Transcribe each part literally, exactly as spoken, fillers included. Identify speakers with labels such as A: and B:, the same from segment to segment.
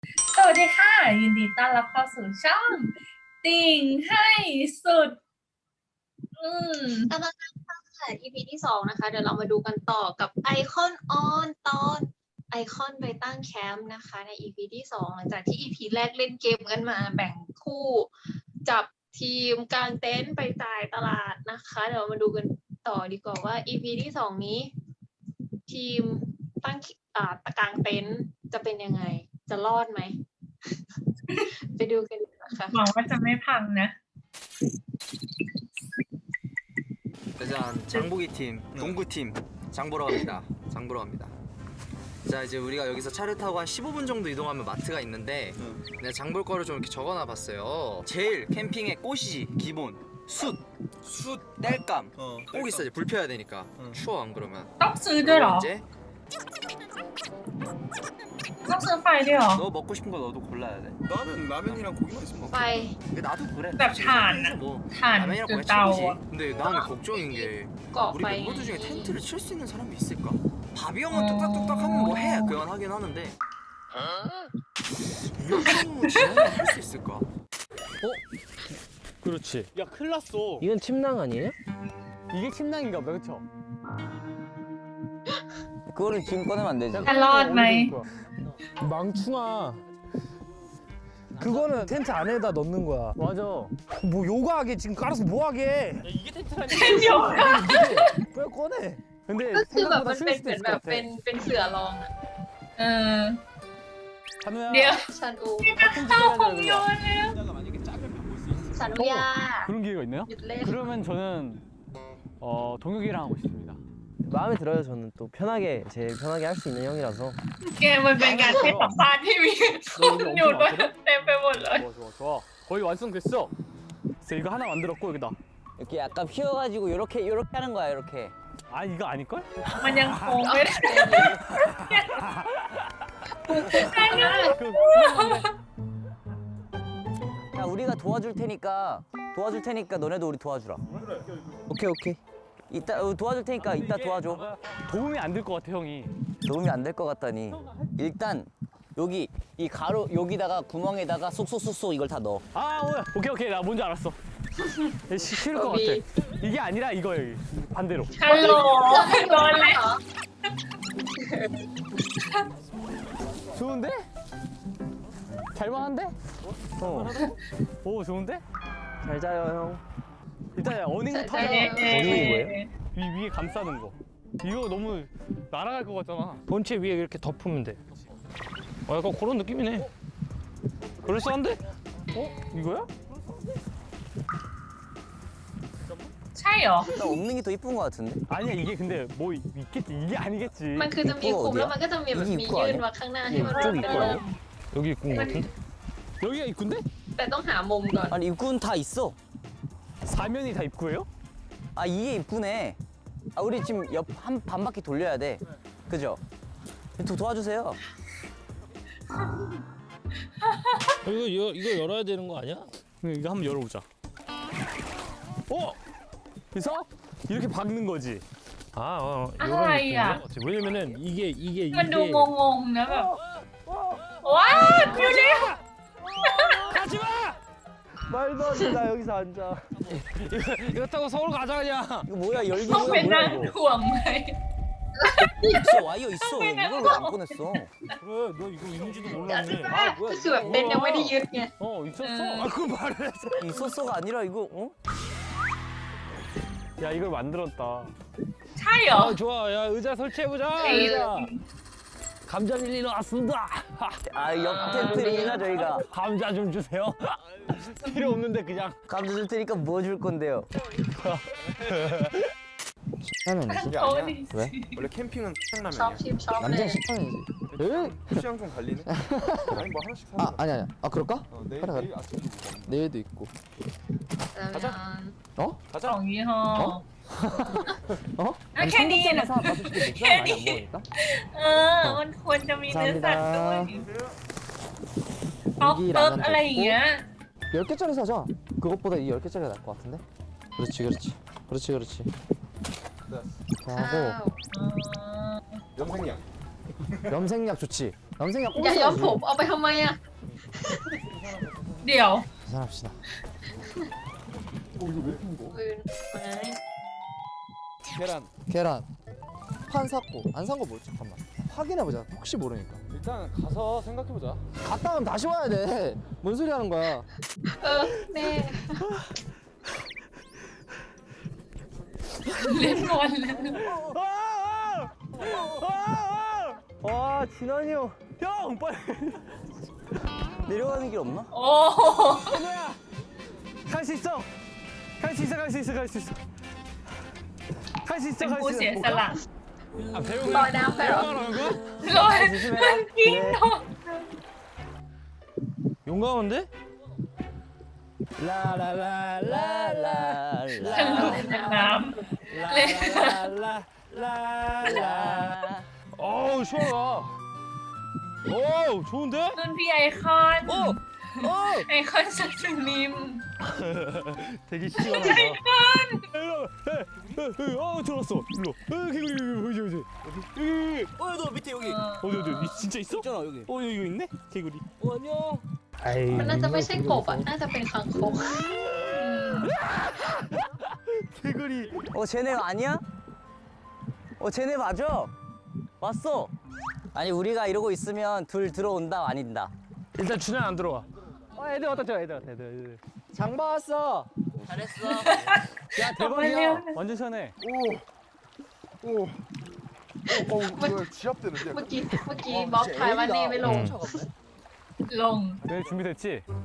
A: สวัสดีค่ะยินดีต้อนรับเข้าสู่ช่องติ่งให้สุดอืม
B: กำลังค่ะ อี พี ที่สองนะคะเดี๋ยวเรามาดูกันต่อกับไอคอนออนตอนไอคอนไปตั้งแคมป์นะคะใน อี พี ที่สองหลังจากที่ อี พี แรกเล่นเกมกันมาแบ่งคู่จับทีมกางเต็นท์ไปจ่ายตลาดนะคะเดี๋ยวมาดูกันต่อดีกว่าว่า อี พี ที่สองนี้ ทีมตั้งอ่าตะกางเต็นท์จะเป็นยังไงจะรอดไหม ไปดูกันนะคะ
A: หวังว่าจะไม่พังนะ
C: 일단 장보기 팀, 농구 팀 장 보러 갑니다. 장 보러 갑니다. 자 이제 우리가 여기서 차를 타고 한 십오 분 정도 이동하면 마트가 있는데 응. 내가 장 볼 거를 좀 이렇게 적어놔 봤어요. 제일 캠핑의 꽃이지 기본 숯, 숯, 땔감 어, 꼭 있어야지. 불 펴야 되니까 응. 추워 안 그러면.
A: ต้องซื้อด้วยเหรอ
C: 이제
A: ต้องซื้อไฟด้วยเหรอ
C: 너 먹고 싶은 거 너도 골라야 돼.
D: 나는 라면이랑 고기만 있으면 먹어.
B: ไป
C: 근데 나도 그래.
A: 나 잘.
C: 뭐
A: 잘.
C: 라면이랑
A: 그
C: 고기
A: 따워.
C: 최고지. 근데 나는 걱정인 게
B: เกาะ
C: 우리
B: ไป
C: 멤버들 중에 텐트를 칠 수 있는 사람이 있을까? 바비 형은 뚝딱뚝딱 하면 뭐 해. 그건 하긴 하는데 이거 진짜 할수 있을까?
E: 그렇지.
F: 야 큰일 났어.
E: 이건 침낭 아니에요?
F: 이게 침낭인가 봐, 그쵸?
G: 그거를 지금 꺼내면 안 되지.
A: จะรอดไหม
E: 망충아. 그거는 텐트 안에다 넣는 거야.
F: 맞아.
E: 뭐 요가하게 지금 깔아서 뭐하게.
F: 야, 이게 텐트라니.
A: เดี๋ยวก่อน
E: 빨리 꺼내.
F: 근데
B: ก็คือแบบมัน
F: 생각보다
B: เป็น
F: 쉬울
B: เหมือน
F: 수도
B: แบ
F: 있을
B: บ
F: 것
B: เป็น
F: 같아.
B: เป็นเสือรองอะ
A: เออ
F: 찬우야.
A: เดี๋ยว
B: ชันอู
A: ข้าวของโยนแล้ว
B: ชันอูยา
F: 그런 기회가 있나요?
B: หยุดเล่น
F: 그러면 저는 어, 동혁이랑 하고 싶습니다.
E: 마음에 들어요. 저는 또 편하게 제일 편하게 할 수 있는 형이라서.
A: เกมมันเป็นการให้สัมภาษณ์ที่มีคนอยู่ด้วยเต็มไปหมดเลย
F: 좋아, 좋아, 좋아. 거의 완성됐어. 그래서 이거 하나 만들었고 여기다.
G: 이렇게 약간 휘어가지고 이렇게 이렇게 하는 거야 이렇게.
F: 아 이거 아닐걸?
A: มันยังคงไม่ได้
F: 그
G: 야 우리가 도와줄 테니까 도와줄 테니까 너네도 우리 도와주라. 오케이 오케이. 이따 어, 도와줄 테니까 이따 도와줘.
F: 도움이 안 될 것 같아 형이.
G: 도움이 안 될 것 같다니. 일단 여기 이 가로 여기다가 구멍에다가 쏙쏙쏙쏙 이걸 다 넣어.
F: 아 오야. 오케이 오케이 나 뭔지 알았어. 시- 싫을 것 같아.
B: 거기.
F: 이게 아니라 이거 여기 반대로.
A: ฮัลโหลโดนแล้ว
F: 좋은데? 잘만한데? 어. 오 좋은데?
E: 잘 자요 형.
F: 일단 어닝부터
B: 잘
F: 하자.
B: 자요.
E: 어닝이 뭐예요?
F: 위, 위에 감싸는 거. 이거 너무 날아갈 것 같잖아.
H: 본체 위에 이렇게 덮으면 돼. 어, 약간 그런 느낌이네. 그럴싸한데?
F: 어? 이거야?
A: ใช่เหรอ
G: 나 없는 게 더 이쁜 것 같은데.
F: 아니야 이게 근데 뭐 있겠지. 이게 아니겠지.
B: มันคือจะมีคุมแล้วมันก็จะมีแบบมียื่นมาข้างหน้าที่มันเป็น
E: 이쪽
B: เป็นล
E: 입구야?
B: ม
H: 여기 입구인 것 같은데?
F: 여기가 입구인데?
B: แต่ต้องหามุมก่อน
G: 아니 입구는 다 있어.
F: 사면이 다 입구예요?
G: 아 이게 입구네. 아 우리 지금 옆 한 반 바퀴 돌려야 돼. 그죠? 도, 도와주세요.
H: 이거, 이거, 이거 열어야 되는 거 아니야?
F: 그럼 이거 한번 열어보자. 어? 그래서 이렇게 박는 거지.
H: 아, 어, 이런
A: 아이야.
H: 느낌인 것 같아. 왜냐면은 이게, 이게,
A: มันดู
H: 이게.
A: งงๆนะแบบว้าวดูดิ
F: 가지 마!
E: 말도 안 돼. 나 여기서 앉아.
H: 이거, 이거 타고 서울 가자, 그냥.
G: 이거 뭐야 열기
A: ต้องเป็น
G: 뭐야
A: นั่ง
G: 뭐야 이거.
A: ถ่วงไหม
G: 있어 와이어 있어. 왜 이걸 왜 안 꺼냈어?
H: 그래, 너 이거 있는지도
B: ก็
H: 몰랐네.
B: คือแบบเต็นท์ยังไม่ได้ยึดไง
F: 어 있었어.
A: 음.
F: 아 그거 말을 했어.
G: 있었어가 아니라 이거 어?
F: 야 이걸 만들었다.
A: ใช่เหรอ
H: 아, 좋아. 야, 의자 설치해보자.
A: 에이.
H: 의자. 감자 밀리러 왔습니다.
G: 아옆 텐트입니다 저희가.
F: 감자 좀 주세요. 필요 없는데 그냥.
G: 감자 줄 테니까 뭐 줄 건데요?
E: 하면
D: 그게
A: โอ้
D: 아니야.
A: ดิ
E: 왜?
D: 원래 캠핑은
B: ชอบ
D: 탕라면이야.
B: ชิมชอบเล
E: 남자
B: ย
E: 식판이지.
D: 취향 좀 갈리네. 아니 뭐 하나씩 사는
E: 아
D: 거야.
E: 아니 아니. 아 그럴까?
D: 어, 내일,
E: 가라, 가라.
D: 내일 아침에 먹는
E: 내일도 있고.
B: แล้วยัง
E: 어?
A: สองยี่ห้อ
E: 어?
A: อ่ะแค่นี้นะ
E: 삼겹살만 사 다섯 개 맥주 많이 안 먹으니까.
A: เออ มันควรจะมีเนื้อสัตว์ด้วยป๊อก
E: 고기
A: เติร์ก
E: 라면
A: อะไรอย่างเงี้ย
E: 열 개짜리 사자. 그것보다 이 열 개짜리가 나을 것 같은데? 그렇지 그렇지. 그렇지 그렇지.
B: ข้า
E: 하고
B: ว
A: เออ
D: 염색약.
E: 염색약 좋지. 남생이야
B: อย่าย้อมผม
E: 꼼수야지.
B: เอาไปทำไมอ่ะ
A: เดี๋ยว
E: 계산합시다.
B: ปืนไม้
D: 계란.
E: 계란 판 샀고 안 산 거 뭐지? 잠깐만 확인해보자. 혹시 모르니까.
D: 일단 가서 생각해보자.
E: 갔다 오면 다시 와야 돼. 뭔 소리 하는 거야?
B: เออแน่
A: เล่นบอลเลย
G: 와 진환이 형. 형 빨리. 내려가는 길 없나?
A: โอ้
F: 갈 수 있어. 갈 수 있어. 갈 수 있어. 갈 수 있어. 갈 수
A: เป็น
F: 있어. 갈
A: ผู้
F: 수
A: เสีย
F: 있어.
A: สละ
F: 아 배우가
B: ลอยน้ำไปเหรอ
F: 배우가라는 거야?
A: ลอยมันกินเนาะ
F: 용감한데?
E: ลาลาลาลาลา
A: ฉันหลุดจากน้ำเล่น
E: 라라라라.
F: 어우 시원하다. 오 좋은데?
A: รุ่นพี่ไอคอน ไอคอนสัตว์นิม
F: 되게 시원하다. 어 들어왔어. 일로. 어 개구리 여기 여기 여기.
G: 어너 밑에 여기.
F: 어디 어디 이 진짜 있어?
G: 있잖아 여기.
F: 어 여기 있네 개구리.
G: 어 안녕.
B: มันน่าจะไม่ใช่กบอ่ะ น่าจะเป็นคางคก
F: 개구리.
G: 어 쟤네 아니야? 어 쟤네 맞아. 왔어. 아니 우리가 이러고 있으면 둘 들어온다 아닌다.
F: 일단 준현 안 들어와. 어 애들 왔다 저 애들 왔다 애들 애들.
E: 장봐 왔어.
G: 잘했어.
F: 야
A: ออกมาเร็ว
F: 대박이야. 완전 시원해.
D: 오. 오. 어, 어, 이거 지압되는데.
B: เมื่อกี้ เมื่อกี้บล็อกทายว่าเน่ไม่ลง
A: ลง
F: 네 준비됐지?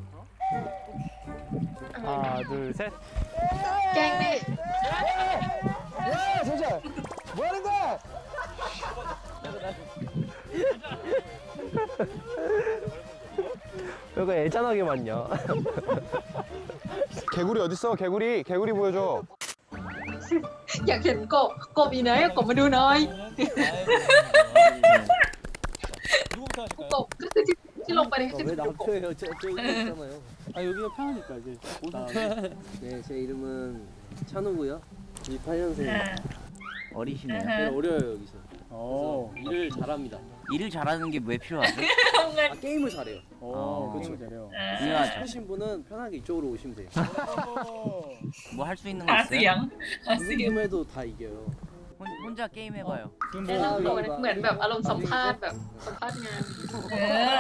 F: 하나 둘 셋.
B: แกล้งเน่
E: 야 정철 뭐 하는 거야?
F: 이거 애잔하게 맞냐?
D: 개구리 어딨어? 개구리. 개구리 보여줘.
B: อยากเห็นกบ กบอยู่ไหนกบมาดูหน่อย กบก็คือที่ที่ลงไปในที่
G: 왜 남초예요? 저 저기 있잖아요.
I: 아 여기가 편하니까 이제 다음에. 네, 제 이름은 찬우고요. 이십팔 년생.
A: อ่า
G: 어리시네요.
A: อ่าฮะ
I: 제가 어려요 여기서.
F: 어.
I: 그래서 일을 잘합니다.
G: 일을 잘하는 게 왜 필요하죠?
A: ทำเงิน
I: 아 게임을 잘해요.
F: 어,
I: 그렇죠.
F: 게임을 잘해요.
A: อ่า
G: 중요하죠.
I: 하신 분은 편하게 이쪽으로 오시면 돼요.
G: 뭐 할 수 있는 거
A: หาเสีย
G: 있어요?
A: งหา
I: 무슨
A: เสียง
I: 게임 해도 다 이겨요.
G: 혼, 혼자 게임 해봐요.
B: แนะนำตัวนะเหมือนแบบอารมณ์สัมภาษณ์แบบสัมภาษณ์งาน
A: เอ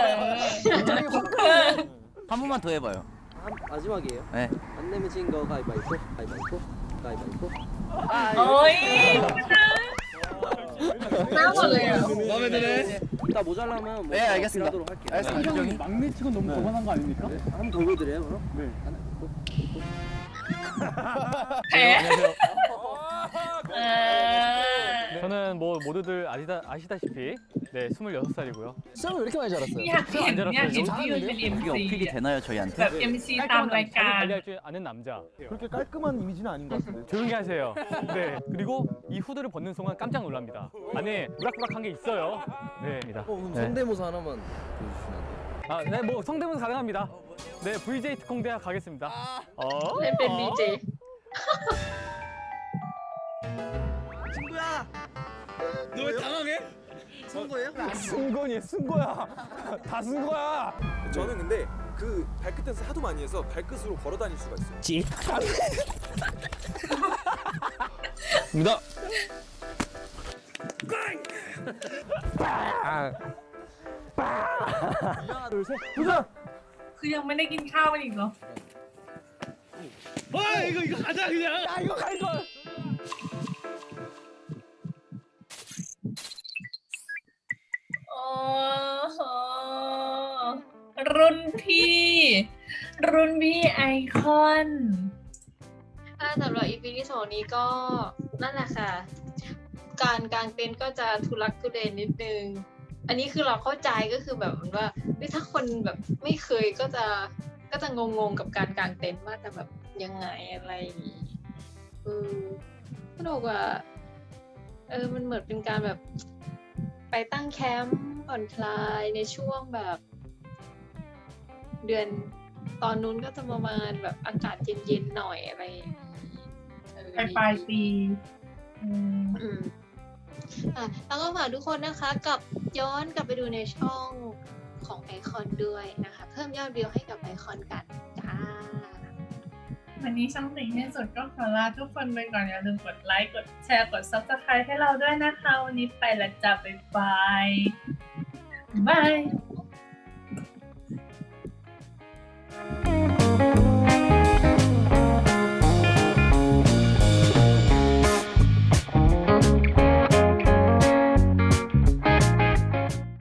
A: อ
G: 한 번만 더 해봐요.
I: 한, 마지막이에요.
G: 네.
I: 안 내면 진 거 가위바위보. 가위바위보. 가위바위보.
A: โอ้ย
B: หน้าหมดเลยอ่ะ
F: 마음에 드네.
I: 이따 모자라면 뭐
G: 네, 알겠습니다.
I: 하도록 할게요.
F: 알겠습니다.
I: 막내치곤 너무 거만한 거 아닙니까? 한번 더 보여드려요 그럼? 네.
A: แพ้เออ
F: 저는 뭐 모두들 아시다, 아시다시피 네 스물여섯 살이고요.
E: 수염을 왜 이렇게 많이 자랐어요?
A: อยากเห็นอยากเห็นพี่อยู่เป็น
G: 그게
A: เอ็ม
G: 어필이
A: ซี
G: 되나요 저희한테?
A: แบบ เอ็ม ซี ตามรายการ
F: 관리할 줄 아는 남자.
D: 그렇게 깔끔한 이미지는 아닌 것 같은데.
F: 조용히 하세요. 네 그리고 이 후드를 벗는 순간 깜짝 놀랍니다. 안에 우락부락한 게 있어요. 네.
I: 어, 그럼
F: 네.
I: 성대모사 하나만 보여주시면 안 돼요?
F: 아, 네, 뭐 성대모사 가능합니다. 네, 브이제이 특공대학 가겠습니다. 어?
B: เล่นเป็นดีเจ
G: 친구야. 너 왜 당황해? 선 거예요?
F: 쓴 거니, 쓴 거야. 다 쓴 거야.
D: 저는 근데 그 발끝 댄스 하도 많이 해서 발끝으로 걸어 다닐 수가 있어요.
F: 찌. 입니다.
E: 하나 둘 셋.
A: คือยังไม่ได้กินข้าวกันอีกเหรอ
F: 와, 이거 이거 가자 그냥. 야, 이거 갈 걸.
A: โอ้โหรุ่นพี่ รุ่นพี่ไอคอน
B: ถ้าสำหรับ อี พี ที่สองนี้ก็นั่นแหละค่ะ การกางเต็นท์ก็จะทุลักทุเลนิดนึง อันนี้คือเราเข้าใจก็คือแบบเหมือนว่าเฮ้ยถ้าคนแบบไม่เคยก็จะก็จะงงๆกับการกางเต็นท์ว่าจะแบบยังไงอะไรอย่างงี้เออก็บอกว่าเออมันเหมือนเป็นการแบบไปตั้งแคมป์ผ่อนคลายในช่วงแบบ เดือนตอนนู้นก็จะประมาณแบบอากาศเย็นๆหน่อยอะไรอย่างงี้เออ
A: ปลายปลายปีอืม
B: อืมอ่ะแล้วก็ฝากทุกคนนะคะกลับย้อนกลับไปดูในช่องของไอคอนด้วยนะคะ เพิ่มยอดวิวให้กับไอคอนกันจ้า
A: วันนี้ช่องติ่งให้สุดก็ขอลาทุกคนไปก่อนอย่าลืมกดไลค์กดแชร์กด ซับสไครบ์ ให้เราด้วยนะคะ วันนี้ไปและจ้าบ๊ายบายบาย